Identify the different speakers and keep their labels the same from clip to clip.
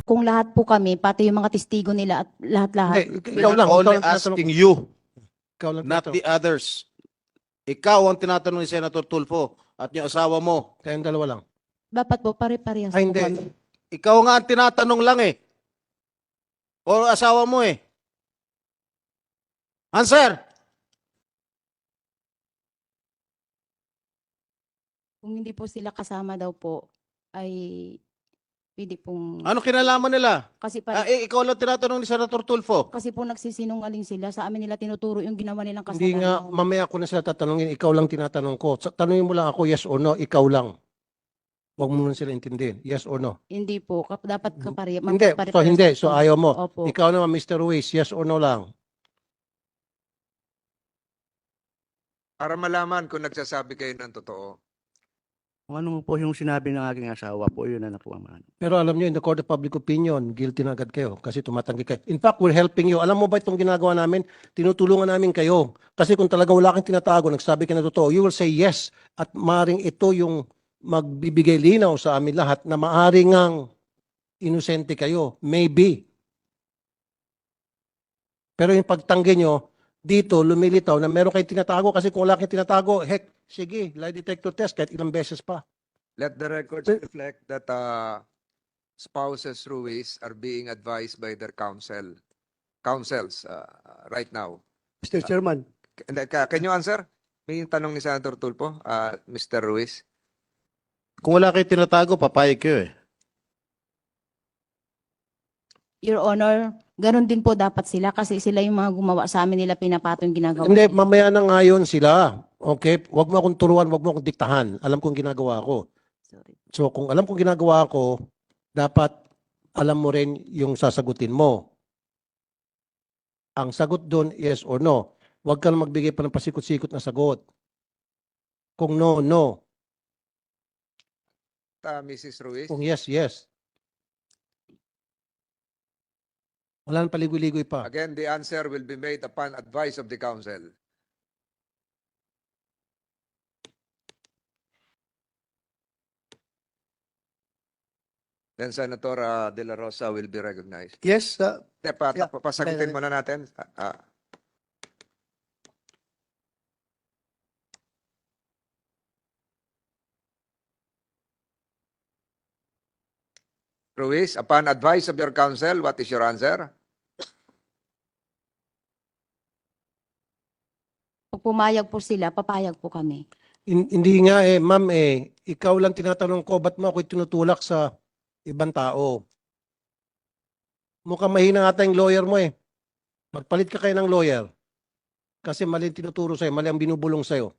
Speaker 1: kung lahat po kami, pati yung mga testigo nila at lahat-lahat.
Speaker 2: Hindi, ikaw lang.
Speaker 3: Only
Speaker 2: ikaw lang tinatanong
Speaker 3: asking
Speaker 2: ko.
Speaker 3: you,
Speaker 2: Ikaw lang
Speaker 3: not
Speaker 2: tinatanong
Speaker 3: the others. Ikaw ang tinatanong ni Senator Tulfo at yung asawa mo.
Speaker 2: ko. Kayong dalawa lang.
Speaker 1: Dapat po, pare-parehas
Speaker 2: Ay,
Speaker 1: po
Speaker 2: hindi.
Speaker 1: kami.
Speaker 3: Ikaw nga ang tinatanong lang eh. O asawa mo eh. Answer!
Speaker 1: Kung hindi po sila kasama daw po, ay pwede pong...
Speaker 3: Ano kinalaman nila?
Speaker 1: Kasi,
Speaker 3: Ikaw lang tinatanong ni Senator Tulfo.
Speaker 1: kasi po nagsisinungaling sila. Sa amin nila tinuturo yung ginawa nilang kasalanan.
Speaker 2: Hindi nga, mamaya ko na sila tatanungin. Ikaw lang tinatanong ko. Tanungin mo lang ako, yes or no, ikaw lang. Huwag mo na sila intindihin. Yes or no?
Speaker 1: Hindi po. Dapat kapare.
Speaker 2: Hindi. So, hindi. So, ayaw mo.
Speaker 1: Opo.
Speaker 2: Ikaw naman, Mr. Ruiz, yes or no lang.
Speaker 4: Para malaman kung nagsasabi kayo ng totoo.
Speaker 5: Kung ano po yung sinabi ng aking asawa po, yun na nakuha.
Speaker 2: Pero alam nyo, in the court of public opinion, guilty na agad kayo kasi tumatanggi kayo. In fact, we're helping you. Alam mo ba itong ginagawa namin? Tinutulungan namin kayo. Kasi kung talaga wala kang tinatago, nagsabi ka na totoo, you will say yes. At maaaring ito yung magbibigay linaw sa amin lahat na maaaring ang inosente kayo. Maybe. Pero yung pagtanggi nyo, dito lumilitaw na meron kayong tinatago kasi kung wala kayong tinatago, heck, sige, lie detector test kahit ilang beses pa.
Speaker 4: Let the records reflect that spouses Ruiz are being advised by their counsels right now.
Speaker 5: Mr. Chairman,
Speaker 4: Can you answer? May tanong ni Senator Tulfo, Mr. Ruiz.
Speaker 3: Kung wala kayo tinatago, papayag kayo eh.
Speaker 1: Your Honor, ganun din po dapat sila kasi sila yung mga gumawa sa amin nila pinapato yung ginagawa.
Speaker 2: Hindi,
Speaker 1: nila.
Speaker 2: mamaya na ngayon sila. Okay? Huwag mo akong turuan, huwag mo akong diktahan. Alam kong ginagawa ko.
Speaker 1: Sorry.
Speaker 2: So kung alam kong ginagawa ko, dapat alam mo rin yung sasagutin mo. Ang sagot doon, yes or no. Huwag ka na magbigay pa ng pasikot-sikot na sagot. Kung no, no.
Speaker 4: Mrs. Ruiz.
Speaker 2: Kung yes, yes. Wala nang paligoy-ligoy pa.
Speaker 4: Again, the answer will be made upon advice of the counsel. Then Senator De La Rosa will be recognized.
Speaker 5: yes, Yeah.
Speaker 4: Pasagutin muna natin. Ruiz, upon advice of your counsel, what is your answer?
Speaker 1: Pag pumayag po sila, papayag po kami.
Speaker 2: Hindi nga eh, ma'am eh. Ikaw lang tinatanong ko, ba't mo ako tinutulak sa ibang tao? Mukhang mahina ata yung lawyer mo eh. Magpalit ka kayo ng lawyer. Kasi mali ang tinuturo sa'yo, mali ang binubulong sa'yo.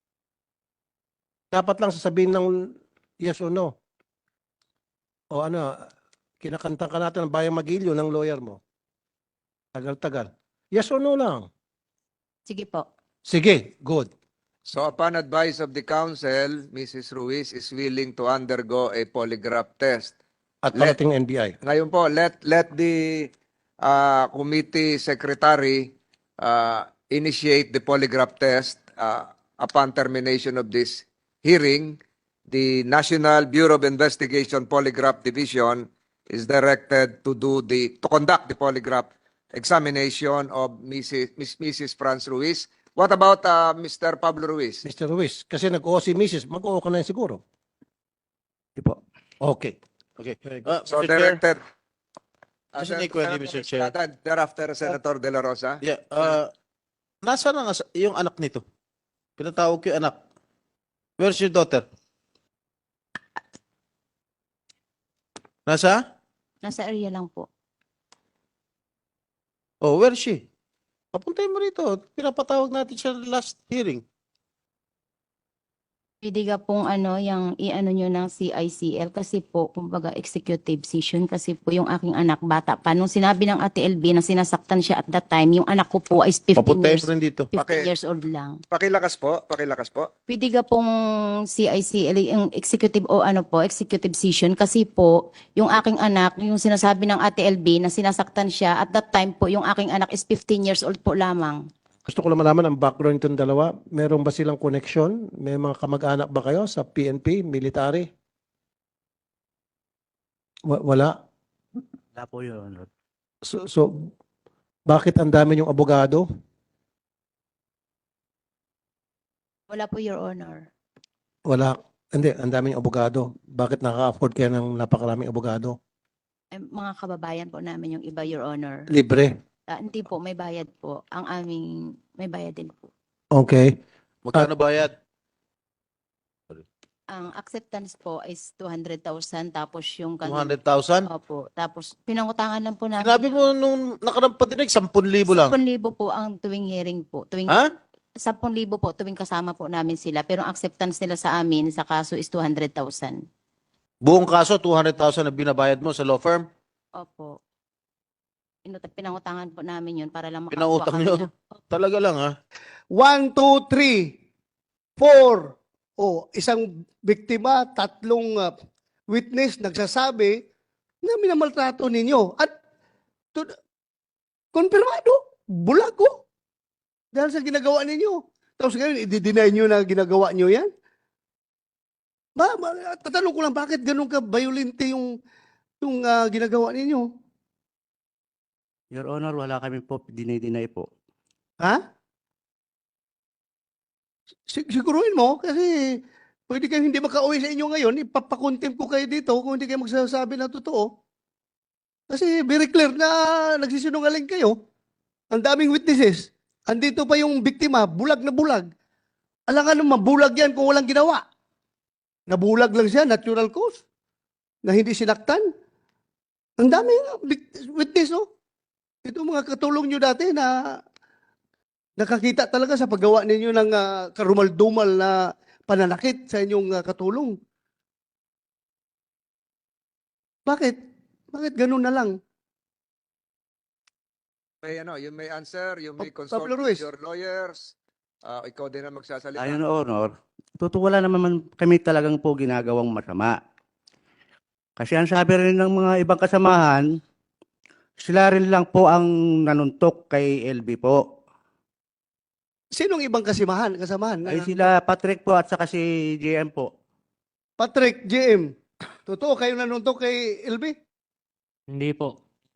Speaker 2: Dapat lang sasabihin ng yes or no. O ano, kinakanta ka natin ng Bayang Magilyo ng lawyer mo. Tagal-tagal. Yes or no lang.
Speaker 1: Sige po.
Speaker 2: Sige, good.
Speaker 4: So upon advice of the counsel, Mrs. Ruiz is willing to undergo a polygraph test.
Speaker 2: At parating NBI.
Speaker 4: Ngayon po, let the committee secretary initiate the polygraph test upon termination of this hearing. The National Bureau of Investigation Polygraph Division is directed to conduct the polygraph examination of Mrs. Franz Ruiz. What about Mr. Pablo Ruiz?
Speaker 2: Mr. Ruiz, kasi nag-oo si Mrs. Mag-oo ka na yun siguro.
Speaker 5: di po.
Speaker 2: Okay.
Speaker 3: Okay.
Speaker 4: So
Speaker 3: Mr. Chair,
Speaker 4: directed.
Speaker 3: Just an equity, Mr. Chair.
Speaker 4: Thereafter, Senator De La Rosa.
Speaker 3: Yeah, nasaan ang yung anak nito? Pinatawag ko yung anak. Where's your daughter? Nasa?
Speaker 1: Nasa area lang po.
Speaker 3: Oh, where is she? Papuntahin mo rito. Pinapatawag natin siya last hearing.
Speaker 1: Pwede ka pong yung i-ano nyo ng CICL kasi po, kumbaga executive session kasi po yung aking anak bata pa. Nung sinabi ng Ate LB na sinasaktan siya at that time, yung anak ko po is 15
Speaker 3: Papuntahin
Speaker 1: years,
Speaker 3: mo rin dito.
Speaker 1: 15 years old lang.
Speaker 4: Pakilakas po, pakilakas po.
Speaker 1: Pwede ka pong CICL, yung executive o executive session kasi po, yung aking anak, yung sinasabi ng Ate LB na sinasaktan siya at that time po, yung aking anak is 15 years old po lamang.
Speaker 2: Gusto ko lang malaman ang background nitong dalawa. Meron ba silang connection? May mga kamag-anak ba kayo sa PNP, military? Wala.
Speaker 5: Wala po, Your Honor.
Speaker 2: So bakit ang dami yung abogado?
Speaker 1: Wala po, Your Honor.
Speaker 2: Wala. Hindi, ang dami yung abogado. Bakit nakaka-afford kayo ng napakaraming abogado?
Speaker 1: Mga kababayan po namin yung iba, Your Honor.
Speaker 2: Libre.
Speaker 1: Hindi po, may bayad po. Ang aming, may bayad din po.
Speaker 2: Okay.
Speaker 3: Magkano bayad?
Speaker 1: Ang acceptance po is 200,000 tapos yung
Speaker 3: 200,000?
Speaker 1: Opo. Tapos pinangutangan lang po namin.
Speaker 3: Sinabi mo nung nakarang patinig, 10,000 lang.
Speaker 1: 10,000 po ang tuwing hearing po. Tuwing
Speaker 3: Ha?
Speaker 1: 10,000 po tuwing kasama po namin sila. Pero ang acceptance nila sa amin sa kaso is 200,000.
Speaker 3: Buong kaso, 200,000 na binabayad mo sa law firm?
Speaker 1: Opo. Pinangutangan po namin yun para lang makakuha
Speaker 3: Pinautang
Speaker 1: kami
Speaker 3: nyo?
Speaker 1: ng-
Speaker 3: Talaga lang, ha?
Speaker 6: 1, 2, 3, 4. O, isang biktima, 3 witness nagsasabi na minamaltrato ninyo. At konfirmado, bulag ko. Dahil sa ginagawa ninyo. Tapos ngayon, i-deny nyo na ginagawa nyo yan? Tatanong ko lang, bakit ganun ka violente yung ginagawa ninyo?
Speaker 5: Your Honor, wala kami po dinay-deny po.
Speaker 6: Ha? Siguruhin mo kasi pwede kayong hindi makauwi sa inyo ngayon, ipapakontempt ko kayo dito kung hindi kayo magsasabi ng totoo. Kasi very clear na nagsisinungaling kayo. Ang daming witnesses. Andito pa yung biktima, bulag na bulag. Alangan naman, bulag yan kung walang ginawa. Nabulag lang siya, natural cause. Na hindi sinaktan. Ang daming witness, oh. Ito mga katulong nyo dati na nakakita talaga sa paggawa ninyo ng karumal-dumal na pananakit sa inyong katulong. Bakit? Bakit ganun na lang?
Speaker 4: You may answer, you may
Speaker 6: Pablo
Speaker 4: consult
Speaker 6: Ruiz.
Speaker 4: with your lawyers. Ikaw din ang magsasalita.
Speaker 5: Ayon, Your Honor, wala naman kami talagang po ginagawang masama. Kasi ang sabi rin ng mga ibang kasamahan, sila rin lang po ang nanuntok kay LB po.
Speaker 6: Sinong ibang kasamahan?
Speaker 5: Ay sila Patrick po at saka si JM po.
Speaker 6: Patrick, JM. Totoo, kayo nanuntok kay LB?
Speaker 7: Hindi po.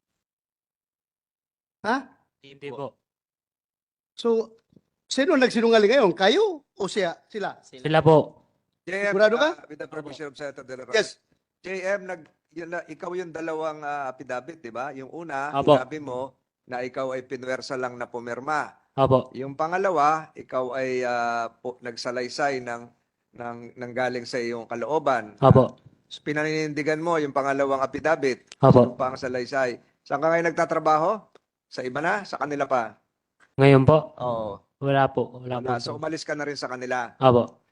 Speaker 6: Ha?
Speaker 7: Hindi po.
Speaker 6: So, sino nagsinungaling ngayon? Kayo o sila?
Speaker 7: Sila po.
Speaker 4: JM,
Speaker 6: Sigurado ka?
Speaker 4: with the permission of Senator De La Rosa.
Speaker 6: Yes.
Speaker 4: JM, ikaw yung dalawang affidavit, di ba? Yung una,
Speaker 7: Apo.
Speaker 4: sinabi mo na ikaw ay pinwersa lang na pumirma.
Speaker 7: Opo.
Speaker 4: Yung pangalawa, ikaw ay nagsalaysay ng galing sa iyong kalooban.
Speaker 7: Opo.
Speaker 4: Pinaninindigan mo yung pangalawang affidavit,
Speaker 7: Opo.
Speaker 4: pang salaysay. Saan ka ngayon nagtatrabaho? Sa iba na? Sa kanila pa?
Speaker 7: Ngayon po,
Speaker 4: Oo.
Speaker 7: wala po. Wala po.
Speaker 4: So umalis ka na rin sa kanila.
Speaker 7: Opo.